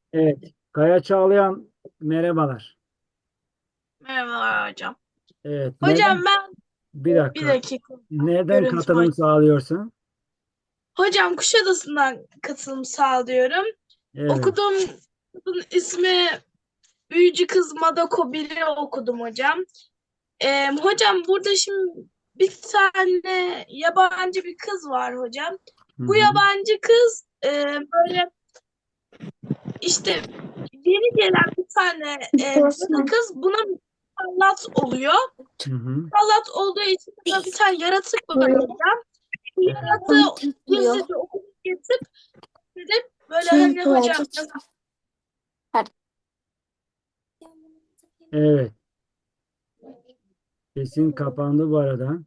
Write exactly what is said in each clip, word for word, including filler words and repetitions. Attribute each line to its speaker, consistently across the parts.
Speaker 1: Evet. Kaya Çağlayan merhabalar.
Speaker 2: Merhabalar hocam.
Speaker 1: Evet.
Speaker 2: Hocam
Speaker 1: Nereden?
Speaker 2: ben
Speaker 1: Bir
Speaker 2: bir
Speaker 1: dakika.
Speaker 2: dakika
Speaker 1: Nereden
Speaker 2: görüntüm
Speaker 1: katılım
Speaker 2: aç.
Speaker 1: sağlıyorsun?
Speaker 2: Hocam Kuşadası'ndan katılım sağlıyorum.
Speaker 1: Evet.
Speaker 2: Okuduğum okulun ismi Büyücü Kız Madako biri okudum hocam. Ee, hocam burada şimdi bir tane yabancı bir kız var hocam.
Speaker 1: Hı
Speaker 2: Bu
Speaker 1: hı.
Speaker 2: yabancı kız e, böyle işte yeni gelen bir tane e, cadı kız buna musallat oluyor.
Speaker 1: Hı hı.
Speaker 2: Musallat olduğu için de bir tane yaratık var hocam.
Speaker 1: Evet.
Speaker 2: Yaratığı gizlice okula getirip gidip böyle hani hocam
Speaker 1: Evet. Sesin kapandı bu arada.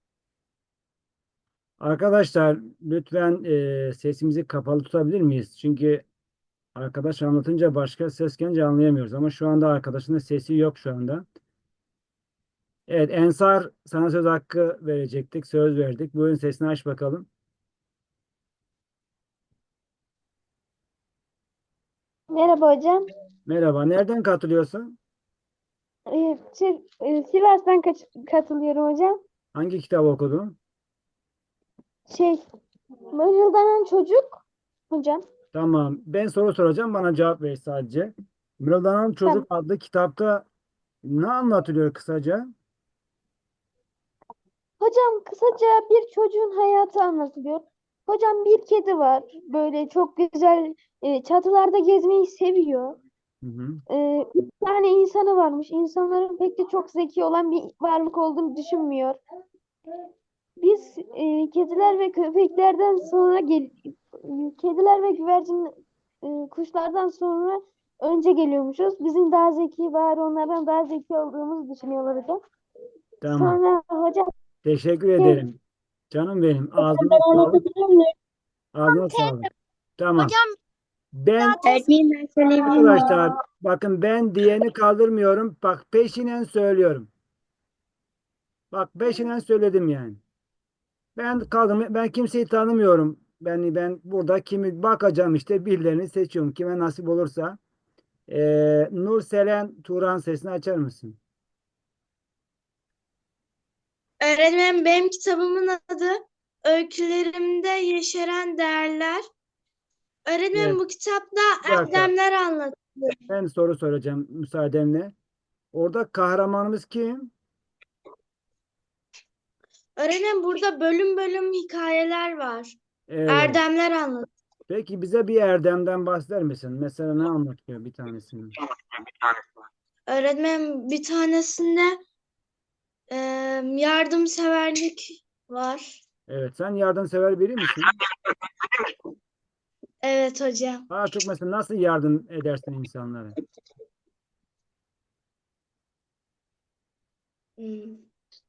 Speaker 1: Arkadaşlar lütfen e, sesimizi kapalı tutabilir miyiz? Çünkü arkadaş anlatınca başka ses gelince anlayamıyoruz. Ama şu anda arkadaşın da sesi yok şu anda. Evet, Ensar, sana söz hakkı verecektik. Söz verdik. Buyurun, sesini aç bakalım.
Speaker 3: Merhaba hocam.
Speaker 1: Merhaba. Nereden katılıyorsun?
Speaker 3: Ee, şey, e, Sivas'tan kaç- katılıyorum hocam.
Speaker 1: Hangi kitabı okudun?
Speaker 3: Şey, mırıldanan çocuk hocam.
Speaker 1: Tamam. Ben soru soracağım. Bana cevap ver sadece. Mırıldanan Çocuk
Speaker 3: Tamam.
Speaker 1: adlı kitapta ne anlatılıyor kısaca?
Speaker 3: Hocam kısaca bir çocuğun hayatı anlatılıyor. Hocam bir kedi var. Böyle çok güzel e, çatılarda gezmeyi seviyor.
Speaker 1: Hı hı.
Speaker 3: E, bir tane insanı varmış. İnsanların pek de çok zeki olan bir varlık olduğunu düşünmüyor. Biz e, kediler ve köpeklerden sonra gel kediler ve güvercin e, kuşlardan sonra önce geliyormuşuz. Bizim daha zeki bari onlardan daha zeki olduğumuzu düşünüyorlar hocam.
Speaker 1: Tamam.
Speaker 3: Sonra hocam
Speaker 1: Teşekkür
Speaker 3: şey,
Speaker 1: ederim. Canım benim.
Speaker 3: hocam
Speaker 1: Ağzına
Speaker 3: ben
Speaker 1: sağlık.
Speaker 3: anlatabilir miyim?
Speaker 1: Ağzına sağlık. Tamam.
Speaker 2: hocam
Speaker 1: Ben
Speaker 3: Öğretmenim ben söyleyebilir miyim?
Speaker 1: arkadaşlar bakın, ben diyeni kaldırmıyorum. Bak, peşinen söylüyorum. Bak, peşinen söyledim yani. Ben kaldım. Ben kimseyi tanımıyorum. Ben ben burada kimi bakacağım, işte birilerini seçiyorum. Kime nasip olursa. Ee, Nur Selen Turan, sesini açar mısın?
Speaker 2: öğretmenim benim kitabımın adı Öykülerimde Yeşeren Değerler. Öğretmenim
Speaker 1: Evet.
Speaker 2: bu kitapta
Speaker 1: Bir dakika.
Speaker 2: erdemler anlatılıyor.
Speaker 1: Ben soru soracağım müsaadenle. Orada kahramanımız kim?
Speaker 2: Öğretmenim burada bölüm bölüm hikayeler var.
Speaker 1: Evet.
Speaker 2: Erdemler anlatılıyor.
Speaker 1: Peki bize bir erdemden bahseder misin? Mesela ne anlatıyor bir tanesini?
Speaker 2: Öğretmenim bir tanesinde e, yardımseverlik var.
Speaker 1: Evet. Sen yardımsever biri misin?
Speaker 2: Evet hocam.
Speaker 1: Daha çok mesela nasıl yardım edersin insanlara?
Speaker 2: Hmm.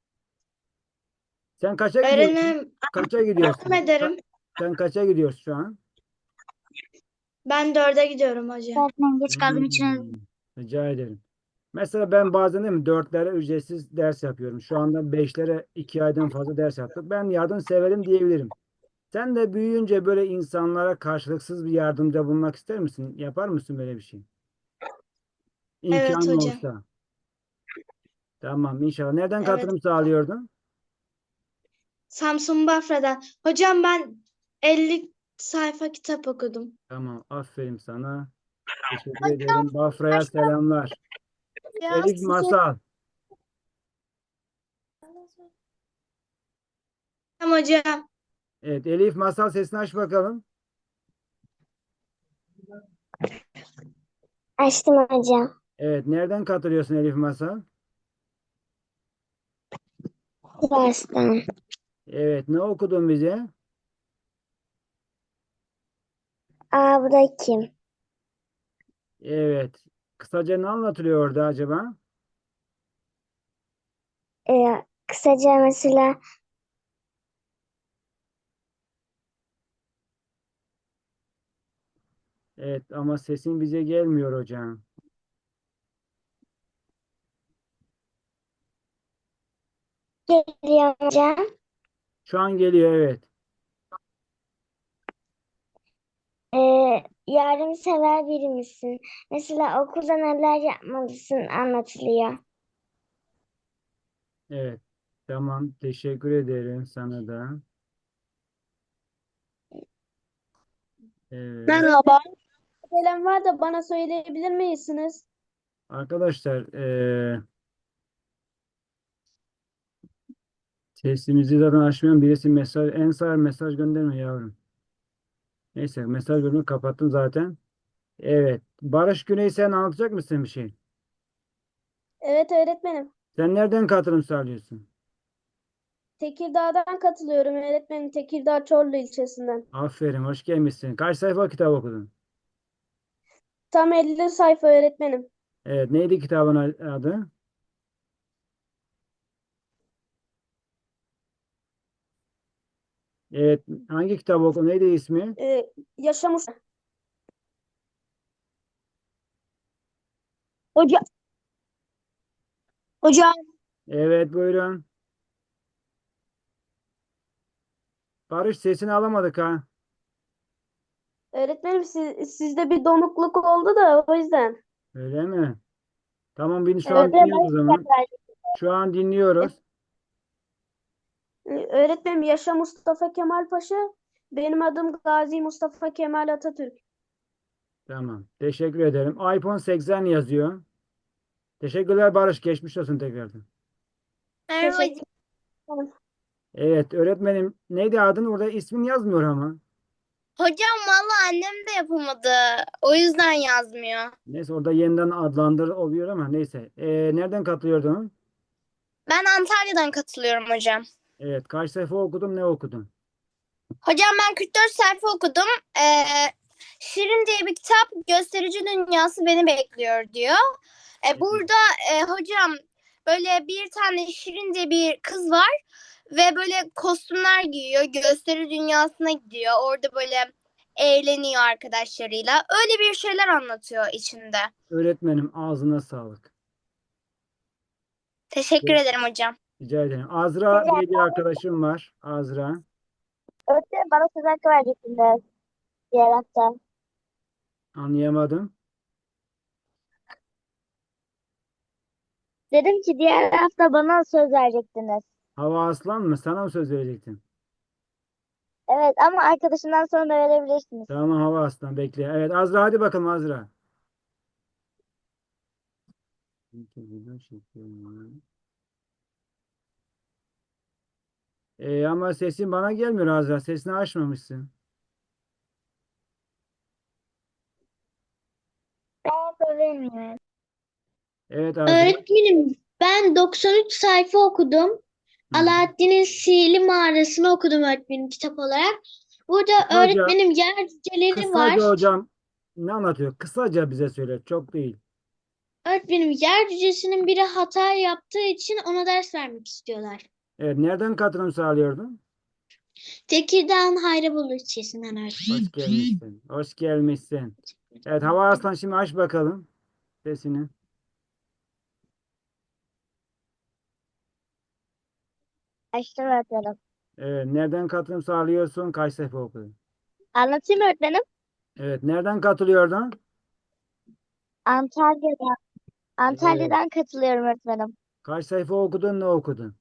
Speaker 1: Sen kaça gidiyorsun?
Speaker 2: Öğretmenim
Speaker 1: Kaça
Speaker 2: yardım
Speaker 1: gidiyorsun? Ka-
Speaker 2: ederim.
Speaker 1: Sen kaça gidiyorsun şu an?
Speaker 2: Ben dörde gidiyorum hocam.
Speaker 3: Öğretmenim geç kaldığım için
Speaker 1: Hmm, rica ederim. Mesela ben bazen değil mi dörtlere ücretsiz ders yapıyorum. Şu anda beşlere iki aydan fazla ders yaptık. Ben yardımseverim diyebilirim. Sen de büyüyünce böyle insanlara karşılıksız bir yardımda bulunmak ister misin? Yapar mısın böyle bir şey?
Speaker 2: Evet
Speaker 1: İmkanın
Speaker 2: hocam.
Speaker 1: olsa. Tamam, inşallah. Nereden
Speaker 2: Evet.
Speaker 1: katılım sağlıyordun?
Speaker 2: Samsun Bafra'dan. Hocam ben elli sayfa kitap okudum.
Speaker 1: Tamam, aferin sana. Teşekkür ederim. Bafra'ya selamlar.
Speaker 2: Ya
Speaker 1: Elif
Speaker 2: size
Speaker 1: Masal.
Speaker 2: hocam.
Speaker 1: Evet, Elif Masal, sesini aç bakalım.
Speaker 3: açtım hocam.
Speaker 1: Evet, nereden katılıyorsun Elif Masal?
Speaker 3: Sivas'tan.
Speaker 1: Evet, ne okudun bize?
Speaker 3: Aa bu da kim?
Speaker 1: Evet. Kısaca ne anlatılıyor orada acaba?
Speaker 3: Ee, kısaca mesela
Speaker 1: Evet, ama sesin bize gelmiyor hocam.
Speaker 3: geliyor hocam.
Speaker 1: Şu an geliyor, evet.
Speaker 4: Ee, yardımsever biri misin? Mesela okulda neler yapmalısın anlatılıyor.
Speaker 1: Evet. Tamam. Teşekkür ederim sana da. Evet.
Speaker 3: Merhaba. Gelen var da bana söyleyebilir misiniz?
Speaker 1: Arkadaşlar eee sesimizi zaten açmayan birisi mesaj en sağ mesaj gönderme yavrum. Neyse mesaj bölümünü kapattım zaten. Evet. Barış Güney sen anlatacak mısın bir şey?
Speaker 3: Evet öğretmenim.
Speaker 1: Sen nereden katılım sağlıyorsun?
Speaker 3: Tekirdağ'dan katılıyorum öğretmenim. Tekirdağ Çorlu ilçesinden.
Speaker 1: Aferin, hoş gelmişsin. Kaç sayfa kitap okudun?
Speaker 3: Tam elli sayfa öğretmenim.
Speaker 1: Evet, neydi kitabın adı? Evet, hangi kitap okudun? Neydi ismi?
Speaker 3: Ee, yaşamış. Hocam, hocam.
Speaker 1: Evet, buyurun. Barış sesini alamadık ha.
Speaker 3: Öğretmenim siz, sizde bir donukluk oldu da o yüzden.
Speaker 1: Öyle mi? Tamam, beni şu an
Speaker 3: Öğretmenim,
Speaker 1: dinliyoruz o zaman. Şu an dinliyoruz.
Speaker 3: öğretmenim Yaşa Mustafa Kemal Paşa. Benim adım Gazi Mustafa Kemal Atatürk.
Speaker 1: Tamam, teşekkür ederim. iPhone seksen yazıyor. Teşekkürler Barış, geçmiş olsun tekrardan.
Speaker 4: Merhaba.
Speaker 3: Teşekkür ederim.
Speaker 1: Evet, öğretmenim neydi adın? Orada ismin yazmıyor ama.
Speaker 4: Hocam valla annem de yapamadı. O yüzden yazmıyor.
Speaker 1: Neyse orada yeniden adlandır oluyor ama neyse. Ee, nereden katılıyordun?
Speaker 4: Ben Antalya'dan katılıyorum hocam.
Speaker 1: Evet, kaç sayfa okudun, ne okudun?
Speaker 4: Hocam ben kırk dört sayfa okudum. Ee, Şirin diye bir kitap, gösterici dünyası beni bekliyor diyor. Ee, burada e, hocam böyle bir tane Şirin diye bir kız var ve böyle kostümler giyiyor, gösteri dünyasına gidiyor. Orada böyle eğleniyor arkadaşlarıyla. Öyle bir şeyler anlatıyor içinde.
Speaker 1: Öğretmenim ağzına sağlık.
Speaker 4: Teşekkür ederim hocam.
Speaker 1: Rica ederim. Azra diye bir arkadaşım var. Azra.
Speaker 4: Öğretmenim bana söz hakkı verecektiniz diğer hafta.
Speaker 1: Anlayamadım.
Speaker 4: Dedim ki diğer hafta bana söz verecektiniz.
Speaker 1: Hava Aslan mı? Sana mı söz verecektim?
Speaker 4: Evet ama arkadaşından sonra da verebilirsiniz.
Speaker 1: Tamam Hava Aslan bekle. Evet Azra hadi bakalım Azra. Ee, ama sesin bana gelmiyor Azra. Sesini açmamışsın.
Speaker 4: Ben söylemiyorum.
Speaker 1: Evet Azra.
Speaker 5: Öğretmenim ben doksan üç sayfa okudum.
Speaker 1: Hı.
Speaker 5: Alaaddin'in Sihirli Mağarası'nı okudum öğretmenim kitap olarak. Burada
Speaker 1: Kısaca,
Speaker 5: öğretmenim yer cüceleri var.
Speaker 1: kısaca hocam ne anlatıyor? Kısaca bize söyle. Çok değil.
Speaker 5: Öğretmenim yer cücesinin biri hata yaptığı için ona ders vermek istiyorlar.
Speaker 1: Evet nereden katılım sağlıyordun?
Speaker 5: Tekirdağ'ın Hayrabolu ilçesinden öğretmenim.
Speaker 1: Hoş gelmişsin. Hoş gelmişsin. Evet Hava Aslan şimdi aç bakalım sesini.
Speaker 4: Açtım öğretmenim.
Speaker 1: Evet nereden katılım sağlıyorsun? Kaç sayfa okudun?
Speaker 4: Anlatayım mı öğretmenim?
Speaker 1: Evet nereden katılıyordun?
Speaker 4: Antalya'dan.
Speaker 1: Evet.
Speaker 4: Antalya'dan katılıyorum öğretmenim.
Speaker 1: Kaç sayfa okudun? Ne okudun?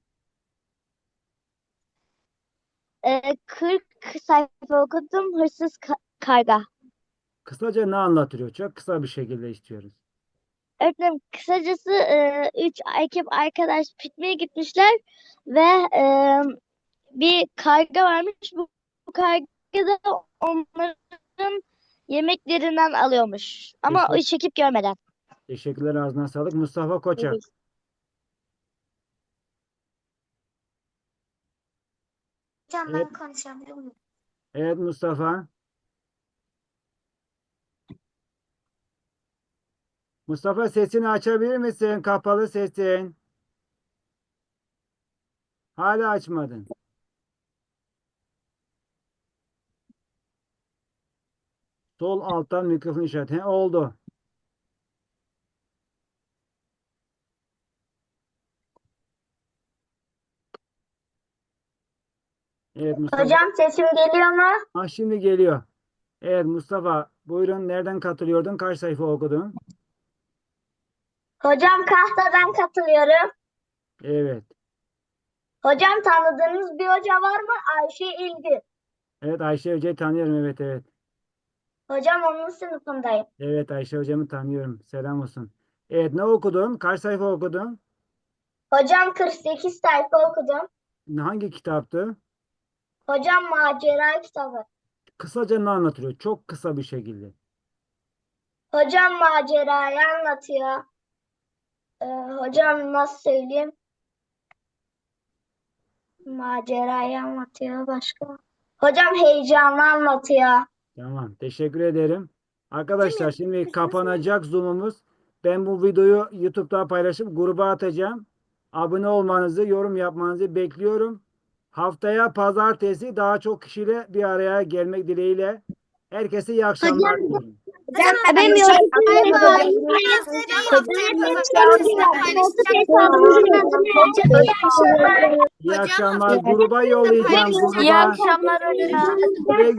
Speaker 4: Ee, kırk sayfa okudum. Hırsız ka- karga.
Speaker 1: Kısaca ne anlatıyor? Çok kısa bir şekilde istiyoruz.
Speaker 4: Öğretmenim kısacası e, üç ekip arkadaş pikniğe gitmişler ve e, bir karga varmış. Bu, bu karga da onların yemeklerinden alıyormuş. Ama
Speaker 1: Teşekkür,
Speaker 4: üç ekip görmeden.
Speaker 1: teşekkürler ağzına sağlık. Mustafa Koçak.
Speaker 4: Hocam
Speaker 1: Evet,
Speaker 4: ben konuşabilir miyim?
Speaker 1: evet Mustafa. Mustafa sesini açabilir misin? Kapalı sesin. Hala açmadın. Sol alttan mikrofon işareti. He, oldu. Evet Mustafa.
Speaker 4: Hocam sesim geliyor mu?
Speaker 1: Ah şimdi geliyor. Evet Mustafa, buyurun, nereden katılıyordun? Kaç sayfa okudun?
Speaker 6: Hocam Kahta'dan katılıyorum.
Speaker 1: Evet.
Speaker 6: Hocam tanıdığınız bir hoca var mı? Ayşe İlgün.
Speaker 1: Evet, Ayşe Hoca'yı tanıyorum. Evet, evet.
Speaker 6: Hocam onun sınıfındayım.
Speaker 1: Evet, Ayşe Hocamı tanıyorum. Selam olsun. Evet, ne okudun? Kaç sayfa okudun?
Speaker 6: Hocam kırk sekiz sayfa okudum.
Speaker 1: Hangi kitaptı?
Speaker 6: Hocam macera kitabı.
Speaker 1: Kısaca ne anlatıyor? Çok kısa bir şekilde.
Speaker 6: Hocam macerayı anlatıyor. Ee, hocam nasıl söyleyeyim? Macerayı anlatıyor başka. Hocam heyecanlı anlatıyor.
Speaker 1: Tamam, teşekkür ederim. Arkadaşlar şimdi kapanacak Zoom'umuz. Ben bu videoyu YouTube'da paylaşıp gruba atacağım. Abone olmanızı, yorum yapmanızı bekliyorum. Haftaya pazartesi daha çok kişiyle bir araya gelmek dileğiyle. Herkese iyi akşamlar diliyorum.
Speaker 4: Hocam
Speaker 3: benim
Speaker 4: bay
Speaker 3: yorumu
Speaker 4: bay.
Speaker 3: hocam.
Speaker 4: Gözleri haftaya
Speaker 1: İyi
Speaker 4: Hocam,
Speaker 1: akşamlar. Gruba yollayacağım.
Speaker 4: İyi
Speaker 1: Gruba.
Speaker 4: akşamlar hocam.
Speaker 1: Güle